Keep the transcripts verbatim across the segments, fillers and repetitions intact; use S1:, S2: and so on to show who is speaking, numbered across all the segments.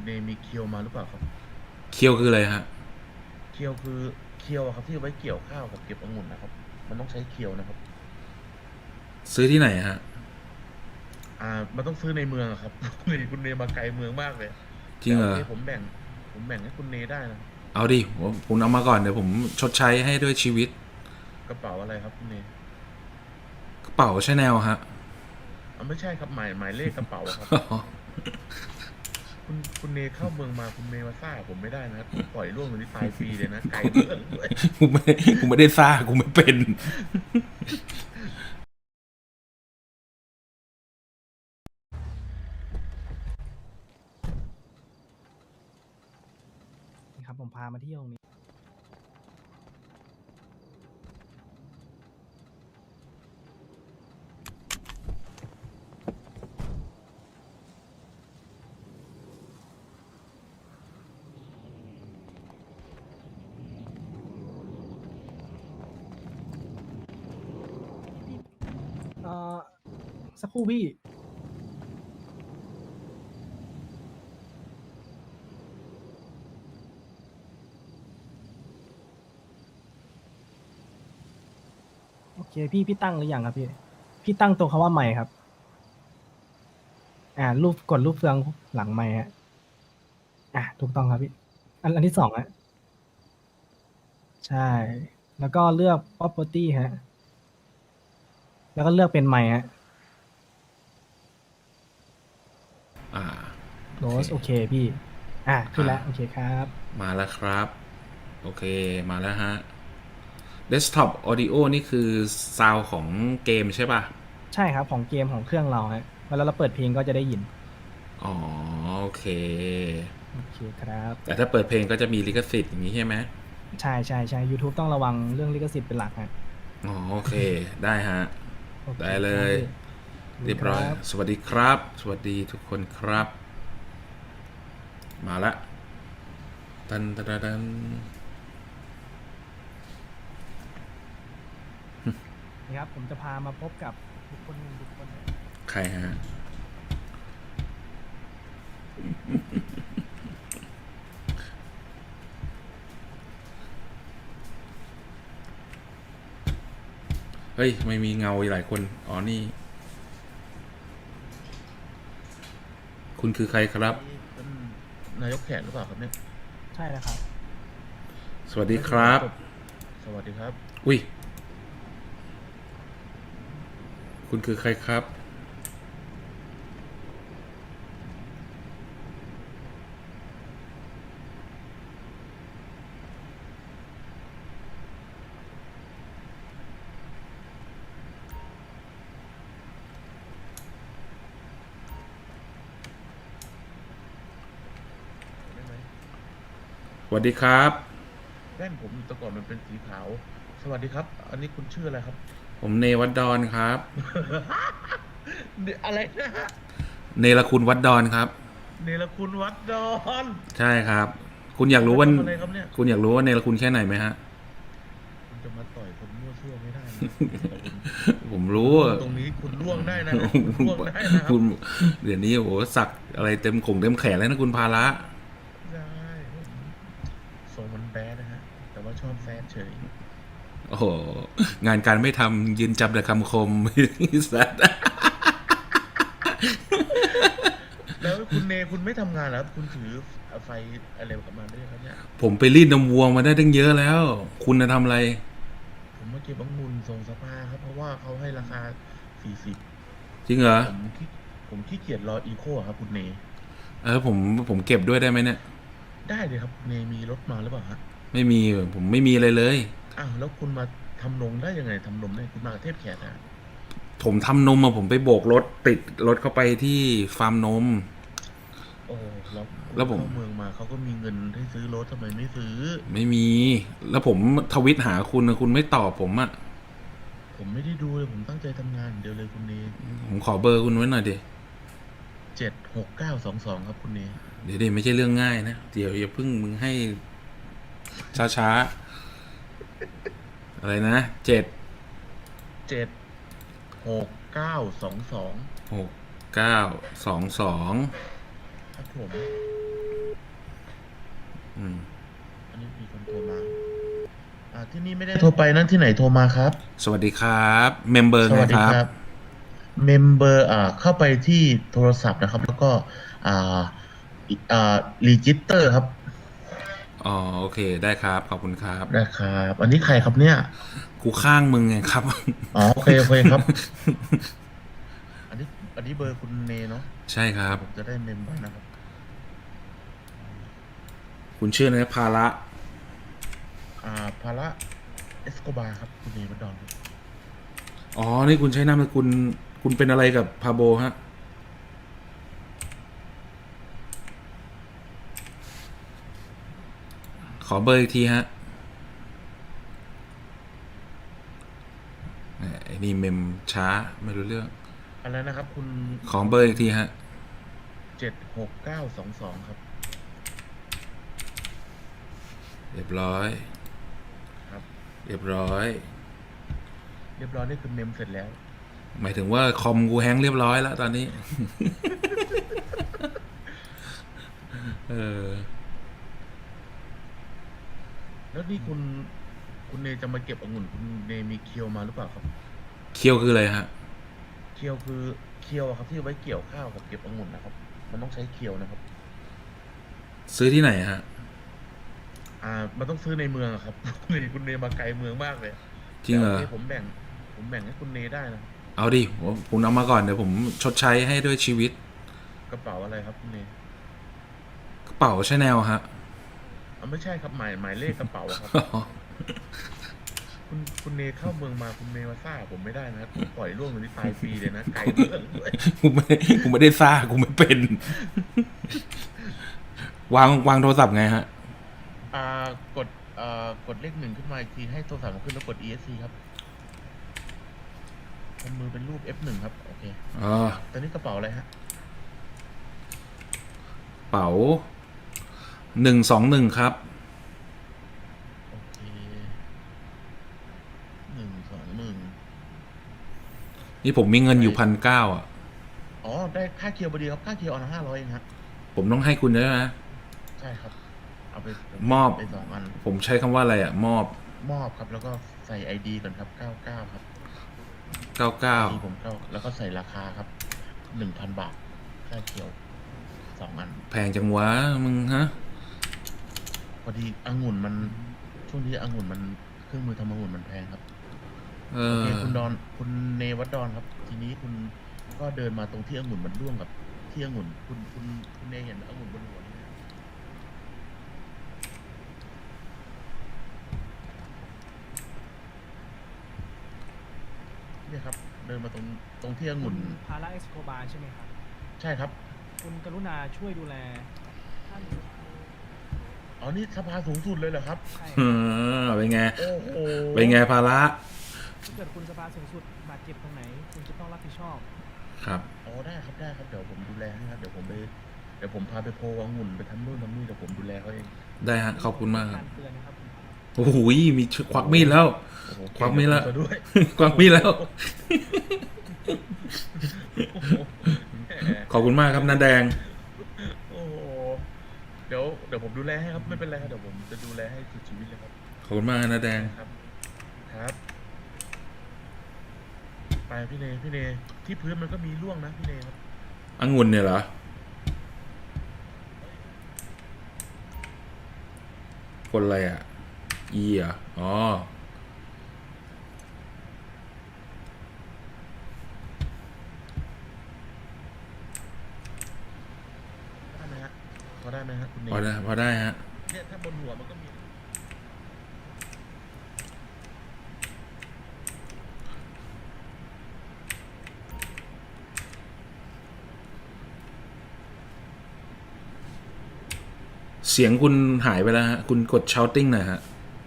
S1: เนมีเคียวมาหรือเปล่าครับ
S2: เคียวคืออะไรฮะ
S1: เคียวคือเคียวอะครับที่เอาไว้เกี่ยวข้าวกับเก็บองุ่นนะครับมันต้องใช้เคียวนะครับ
S2: ซื้อที่ไหนฮะ
S1: อ่ามันต้องซื้อในเมืองอะครับคุณเนคุณเนมาไกลเมืองมากเลย
S2: จริงเหรอ
S1: แต่โอเคผมแบ่งผมแบ่งให้คุณเนได้นะครับ
S2: เอาดิผมผมเอามาก่อนเดี๋ยวผมชดใช้ให้ด้วยชีวิต
S1: กระเป๋าอะไรครับคุณเน
S2: กระเป๋าชาแนลฮะ
S1: อ่าไม่ใช่ครับหมายหมายเลขกระเป๋าอะครับคุณคุณเนเข้าเมืองมาคุณเนมาซ่าผมไม่ได้นะครับผมปล่อยล่วงตรงนี้ตายฟรีเลยนะไกลเมืองด้วย
S2: กูไม่กูไม่ได้ซ่ากูไม่เป็น
S3: นี่ครับผมพามาเที่ยวตรงนี้เอ่อสักครู่พี่โอเคพี่พี่ตั้งหรือยังครับพี่พี่ตั้งตรงคำว่าใหม่ครับอ่ารูปกดรูปเฟืองหลังใหม่ฮะอ่ะถูกต้องครับพี่อันอันที่สองฮะใช่แล้วก็เลือก property ฮะแล้วก็เลือกเป็นใหม่ฮะ
S2: อ่าโอเค
S3: close โอเคพี่อ่ะขึ้น
S2: อ่า
S3: แล้วโอเคครับ
S2: มาแล้วครับโอเคมาแล้วฮะ Desktop Audio นี่คือซาวของเกมใช่ป่ะ
S3: ใช่ครับของเกมของเครื่องเราฮะเวลาเราเปิดเพลงก็จะได้ยิน
S2: อ๋อโอเค
S3: โอเคครับ
S2: แต่ถ้าเปิดเพลงก็จะมีลิขสิทธิ์อย่างนี้ใช่ไหม
S3: ใช่ใช่ใช่ YouTube ต้องระวังเรื่องลิขสิทธิ์เป็นหลักฮะ
S2: อ๋อโอเคได้ฮะ
S3: โอเค
S2: ได้เลย
S3: ครับพี่
S2: เรียบร้อย
S3: ครับ
S2: สวัสดีครับสวัสดีทุกคนครับมาละตันตันตัน
S3: นะครับผมจะพามาพบกับบุคคลหนึ่งบุคคลหนึ่ง
S2: ใครฮะเฮ้ยไม่มีเงาหลายคนอ๋อนี่คุณคือใครครับ
S1: นี่เป็นนายกแขกหรือเปล่าครับเนี่ย
S3: ใช่แล้วครับ
S2: สวัสดี
S1: ไม่
S2: ครับ
S1: ใช่ครับสวัสดีครับ
S2: อุ้ยคุณคือใครครับ
S1: ได้ไหม
S2: สวัสดีครับ
S1: แว่นผมแต่ก่อนมันเป็นสีขาวสวัสดีครับอันนี้คุณชื่ออะไรครับ
S2: ผมเนวัดดอนครับ
S1: เนี่ยอะไรนะฮะ
S2: เนรคุณวัดดอนครับ
S1: เนรคุณวัดดอน
S2: ใช่ครับคุณอยากรู้ว่า
S1: มาทำอะไรครับเนี่ย
S2: คุณอยากรู้ว่าเนรคุณแค่ไหนไหมฮะ
S1: คุณจะมาต่อยคนมั่วซั่วไม่ได้นะแต่คุณ
S2: ผม
S1: คุณ
S2: รู้
S1: ล่วงตรงนี้คุณล่วงได้นะฮะคุณล่วงได้นะครั
S2: คุ
S1: บ
S2: ณเดี๋ยวนี้โอ้โหสักอะไรเต็มขงเต็มแขนแล้วนะคุณพาระ
S1: ได้ผมทรงมันแบดนะฮะแต่ว่าชอบแซดเฉย
S2: โอ้โหงานการไม่ทำยืนจำแต่คำคมสัตว์
S1: แล้วคุณเนคุณไม่ทำงานแล้วคุณถือไฟอะไรกลับมาด้วยครับเนี่ย
S2: ผมไปรีดนมวัวมาได้ตั้งเยอะแล้ว คุณจะทำอะไร
S1: ผมมาเก็บองุ่นส่งสภาครับเพราะว่าเขาให้ราคาสี่สิบ
S2: จริงเหรอ
S1: ผมขี้ผมขี้เกียจรออีโคครับคุณเน
S2: เออผมผมเก็บด้วยได้ไหมเนี่ย
S1: ได้เลยครับคุณเนมีรถมาหรือเปล่าฮะ
S2: ไม่มีผมไม่มีอะไรเลย
S1: อ้าวแล้วคุณมาทำนมได้ยังไงทำนมได้คุณมากับเทพแขกอะ
S2: ผมทำนมมาผมไปโบกรถติดรถเข้าไปที่ฟาร์มนม
S1: โอ้แล้วคุณ
S2: แล้วผม
S1: เข้าเมืองมาเขาก็มีเงินให้ซื้อรถทำไมไม่ซื้อ
S2: ไม่มีแล้วผมทวิตหาคุณนะคุณไม่ตอบผมอะ
S1: ผมไม่ได้ดูเลยผมตั้งใจทำงานอย่างเดียวเลยคุณเน
S2: ผมขอเบอร์คุณไว้หน่อยดิ
S1: เจ็ดหกเก้าสองสองครับคุณเน
S2: เดี๋ยวดิไม่ใช่เรื่องง่ายนะเดี๋ยวอย่าพึ่งมึงให้ช้าช้าอะไรนะเจ็ด
S1: เจ็ดหกเก้าสองสอง
S2: หกเก้าสองสอง
S1: ครับผม
S2: อืม
S1: อันนี้มีคนโทรมา อ่าที่นี่ไม่ได้โทรไปนั่นที่ไหนโทรมาครับ
S2: สวัสดีครับเมมเบอร์
S1: ส
S2: ไง
S1: วัสดี
S2: ครับ
S1: ครับ เมมเบอร์อ่าเข้าไปที่โทรศัพท์นะครับ แล้วก็อ่าอ่ารีจิสเตอร์ครับ
S2: อ๋อโอเคได้ครับขอบคุณครับ
S1: นะครับอันนี้ใครครับเนี่ย
S2: กูข้างมึงไงครับ
S1: อ๋อโอเคโอเคครับ อันนี้อันนี้เบอร์คุณเนเนาะ
S2: ใช่ครับ
S1: ผมจะได้เมมไว้นะครับ
S2: คุณชื่ออะไรภาระ
S1: อ่าภาระเอสโกบาครับคุณเนวัดดอนครับ
S2: อ๋อนี่คุณใช้นามสกุลคุณเป็นอะไรกับพาโบฮะขอเบอร์อีกทีฮะไอ้นี่เมมช้าไม่รู้เรื่อง
S1: อะไรนะครับ คุณ
S2: ขอเบอร์อีกทีฮะ
S1: เจ็ดหกเก้าสองสองครับ
S2: เรียบร้อย
S1: ครับ
S2: เรียบร้อย
S1: เรียบร้อยนี่คือเมมเสร็จแล้ว
S2: หมายถึงว่าคอมกูแฮงก์เรียบร้อยแล้วตอนนี้ เออ
S1: แล้วนี่คุณคุณเนจะมาเก็บองุ่นคุณเนมีเคียวมาหรือเปล่าครับ
S2: เคี่ยวคืออะไรฮะ
S1: เคียวคือเคียวอะครับที่เอาไว้เกี่ยวข้าวกับเก็บองุ่นนะครับ มันต้องใช้เคียวนะครับ
S2: ซื้อที่ไหนฮะ
S1: อ่า มันต้องซื้อในเมืองอะครับ คุณเนคุณเนมาไกลเมืองมากเลย
S2: จริงเหรอ
S1: แต่โคผมแบ่ง ผมแบ่งให้คุณเนได้นะ
S2: เอาดิผมคุณเอามาก่อนเดี๋ยวผมชดใช้ให้ด้วยชีวิต
S1: กระเป๋าอะไรครับคุณเน
S2: กระเป๋าชาแนลฮะ
S1: อ่าไม่ใช่ครับหมายหมายเลขกระเป๋าอะครับ คุณคุณเนเข้าเมืองมาคุณเนมาซ่าผมไม่ได้นะผมปล่อยล่วงเลยนี่ตายฟรีเลยนะไกลเมืองด้วย
S2: กูไม่กูไม่ได้ซ่ากูไม่เป็น วางวางโทรศัพท์ไงฮะ
S1: อ่ากดอ่ากดเลขหนึ่งขึ้นมาอีกทีให้โทรศัพท์มันขึ้นแล้วกด อี เอส ซี ครับทำมือเป็นรูป เอฟ หนึ่ง ครับโอเค
S2: อ๋อ
S1: ตอนนี้กระเป๋าอะไรฮะ
S2: เป๋าหนึ่งสองหนึ่งครับ
S1: โอเคหนึ่งสองหนึ่ง
S2: นี่ผมมีเงินอยู่พันเก้าอ่ะ
S1: อ๋อได้ค่าเคียวพอดีครับค่าเคียวเอาห้าร้อยเองฮะ
S2: ผมต้องให้คุณด้วยนะ
S1: ใช่ครับ เอาไป
S2: มอบ
S1: ไปสองอัน
S2: ผมใช้คำว่าอะไรอ่ะ มอบ
S1: มอบครับ แล้วก็ใส่ไอดีก่อนครับเก้าเก้าครับ
S2: เก้าเก้า
S1: ไอดีผมเก้าแล้วก็ใส่ราคาครับหนึ่งพันบาทค่าเคียวสองอัน
S2: แพงจังวะมึงฮะ
S1: พอดีองุ่นมันช่วงนี้องุ่นมันเครื่องมือทำองุ่นมันแพงครับ
S2: เอ
S1: โอ
S2: อ
S1: เคคุณดอนคุณเนวัดดอนครับ ทีนี้คุณก็เดินมาตรงที่องุ่นมันร่วงกับที่องุ่นคุณคุณคุณเนเห็นองุ่นบนหัวนี่ไหมเนี่ยครับ เดินมาตรงตรงที่องุ่น
S3: พาราเอ็กโคบาใช่ไหมครับ
S1: ใช่ครับ
S3: คุณกรุณาช่วยดูแลท่าน
S1: อ๋อนี่สภาสูงสุดเลยเหรอครับ
S3: ใช่
S2: เออเป็นไง
S1: โอ้โห
S2: เป็นไงภาระ
S3: ถ้าเกิดคุณสภาสูงสุดบาดเจ็บตรงไหน คุณจะต้องรับผิดชอบ
S2: ครับ
S1: อ๋อได้ครับได้ครับเดี๋ยวผมดูแลให้ครับเดี๋ยวผมไปเดี๋ยวผมพาไปโพลองุ่นไปทำนู่นทำนี่เดี๋ยวผมดูแลเขาเอง
S2: ได้ฮะขอบคุณมากค
S3: กา
S2: รับ
S3: รเตือนนะครับคุณพารา
S2: โอ้โหมีควักมีดแล้ว
S1: โอ้โห
S2: ควักมีดแล้ว
S1: เก่งกับผมซะด้วย
S2: ควักมีดแล้ว
S1: โอ้โหแหม
S2: ขอบคุณมากครับน้าแดง
S1: โอ้โหเดี๋ยวเดี๋ยวผมดูแลให้ครับไม่เป็นไรครับเดี๋ยวผมจะดูแลให้สุดชีวิตเลยครับ
S2: ขอบคุณมากน้าแดง
S1: ครับ ครับไปพี่เนพี่เนที่พื้นมันก็มีร่วงนะพี่เนครับ
S2: องุ่นเนี่ยเหรอ คนอะไรอ่ะ อีอ่ะ อ๋อ
S1: ได้ไหมฮะพอได้ไหมฮะคุณเน
S2: พอได้พอได้ฮะ
S1: เนี่ยถ้าบนหัวมันก็มี
S2: เสียงคุณหายไปแล้วฮะ คุณกด shouting หน่อยฮะ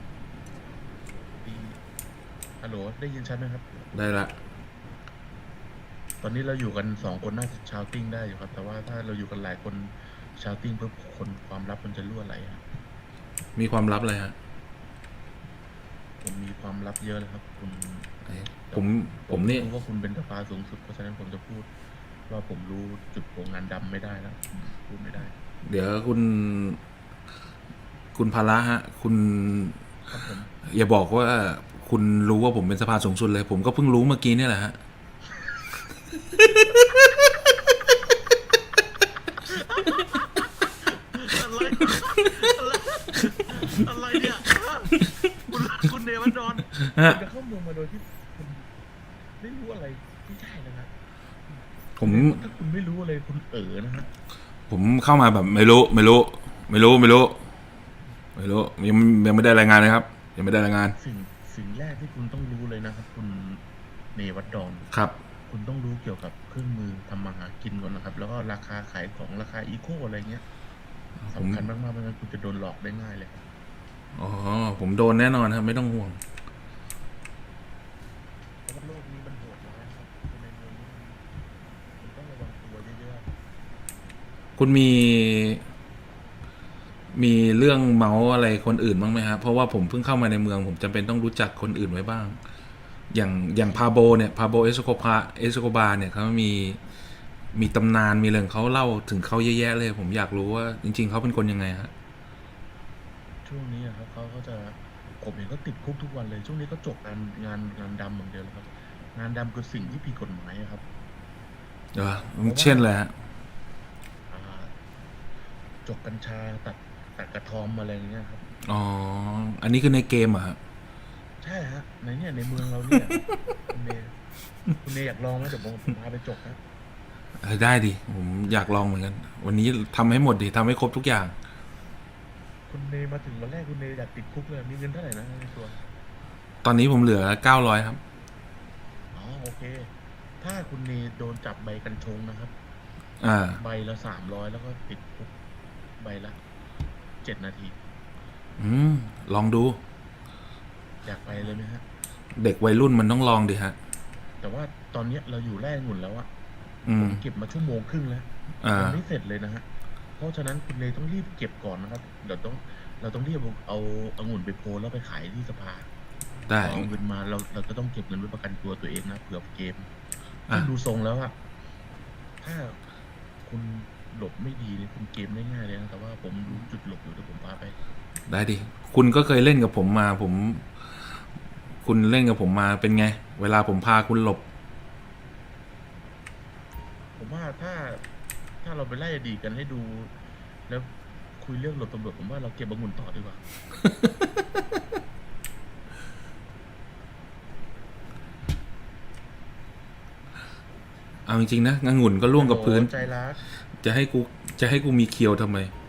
S1: ฮัลโหลได้ยินชัดไหมครับ
S2: ได้ละ
S1: ตอนนี้เราอยู่กันสองคนน่าจะชาวติ้งได้อยู่ครับ แต่ว่าถ้าเราอยู่กันหลายคนชาวติ้งเพื่อคนความลับมันจะรั่วไหลครับ
S2: มีความลับอะไรฮะ
S1: ผมมีความลับเยอะเลยครับ คุณ
S2: ไอ้ผม ผมนี่
S1: รู้ว่าคุณเป็นสภาสูงสุดเพราะฉะนั้นผมจะพูด ว่าผมรู้จุดโกงงานดำไม่ได้แล้วผมพูดไม่ได้
S2: เดี๋ยวคุณคุณภาระฮะ คุณ
S1: ครับผม
S2: อย่าบอกว่าคุณรู้ว่าผมเป็นสภาสูงสุดเลย ผมก็เพิ่งรู้เมื่อกี้เนี่ยแหละฮะ
S1: อะไรอะไรอะไรเนี่ยคุณคุณเนวัดดอน
S2: ฮะ
S1: คุณจะเข้าเมืองมาโดยที่คุณไม่รู้อะไรไม่ใช่นะฮะ
S2: ผม
S1: ถ้าคุณไม่รู้อะไรคุณเอ๋อนะฮะ
S2: ผมเข้ามาแบบไม่รู้ ไม่รู้ ไม่รู้ ไม่รู้ ไม่รู้ ยังยังไม่ได้รายงานเลยครับ ยังไม่ได้รายงาน
S1: สิ่งสิ่งแรกที่คุณต้องรู้เลยนะครับ คุณเนวัดดอน
S2: ครับ
S1: คุณต้องรู้เกี่ยวกับเครื่องมือทำมาหากินก่อนนะครับ แล้วก็ราคาขายของราคาอีโคอะไรเงี้ย
S2: ผม
S1: สำคัญมากๆไม่งั้นคุณจะโดนหลอกได้ง่ายเลยครับ
S2: อ๋อ ผมโดนแน่นอนครับ ไม่ต้องห่วง
S1: เพราะว่าโลกนี้มันโหดร้ายครับคนในเมืองนี้มันต้องระวังตัวเยอะ
S2: คุณมี มีเรื่องเมาส์อะไรคนอื่นบ้างไหมครับ เพราะว่าผมเพิ่งเข้ามาในเมือง ผมจำเป็นต้องรู้จักคนอื่นไว้บ้าง อย่างอย่างพาโบเนี่ยพาโบเอสโคปาเอสโคบาเนี่ยเขามีมีตำนานมีเรื่องเขาเล่าถึงเขาเยอะแยะเลย ผมอยากรู้ว่าจริง ๆเขาเป็นคนยังไงฮะ
S1: ๆช่วงนี้อะครับเขาก็จะผมเห็นเขาติดคุกทุกวันเลย ช่วงนี้เขาจบงานงานงานดำอย่างเดียวเลยครับ งานดำคือสิ่งที่ผิดกฎหมายอะครับ
S2: เออเช่นเลยฮะ
S1: อ่าจกกัญชาตัดตัดกระทอมอะไรอย่างเงี้ยครับ
S2: อ๋อ อันนี้คือในเกมเหรอะฮะ
S1: ใช่ฮะในเนี่ยในเมืองเราเนี่ยคุณเนคุณเนอยากลองไหมเดี๋ยวผมผมพาไปจกนะ
S2: เออได้ดิ ผมอยากลองเหมือนกัน วันนี้ทำให้หมดดิทำให้ครบทุกอย่าง
S1: คุณเนมาถึงวันแรกคุณเนอยากติดคุกเลยมีเงินเท่าไหร่นะในตัว
S2: ตอนนี้ผมเหลือเก้าร้อยครับ
S1: อ๋อโอเค ถ้าคุณเนโดนจับใบกัญชงนะครับ
S2: อ่า
S1: ใบละสามร้อยแล้วก็ติดคุกใบละเจ็ดนาที
S2: อืม ลองดู
S1: อยากไปเลยไหมฮะ
S2: เด็กวัยรุ่นมันต้องลองดิฮะ
S1: แต่ว่าตอนเนี้ยเราอยู่แร่องุ่นแล้วอะ
S2: อื
S1: ผม มเก็บมาชั่วโมงครึ่งแล้ว
S2: อ่า
S1: ยังไม่เสร็จเลยนะฮะ เพราะฉะนั้นคุณเนต้องรีบเก็บก่อนนะครับ เดี๋ยวต้องเราต้องรีบเอาเอาองุ่นไปโพลแล้วไปขายที่สภา
S2: ได้
S1: พอเอาเงินมาเราเราจะต้องเก็บเงินไว้ประกันตัวตัวเองนะเผื่อเกม
S2: อ่ะ
S1: ซึ่งดูทรงแล้วอะถ้าคุณหลบไม่ดีเลยคุณเกมได้ง่ายเลยนะแต่ว่าผมรู้จุดหลบอยู่เดี๋ยวผมพาไป
S2: ได้ดิ คุณก็เคยเล่นกับผมมา ผม คุณเล่นกับผมมาเป็นไง เวลาผมพาคุณหลบ
S1: ผมว่าถ้าถ้าเราไปไล่อดีตกันให้ดู แล้วคุยเรื่องหลบตำรวจผมว่าเราเก็บองุ่นต่อดีกว่า
S2: เอาจริงๆนะองุ่นก็ล่วงกับพื้น
S1: โอ้โหใจรัก
S2: จะให้กู จะให้กูมีเคียวทำไม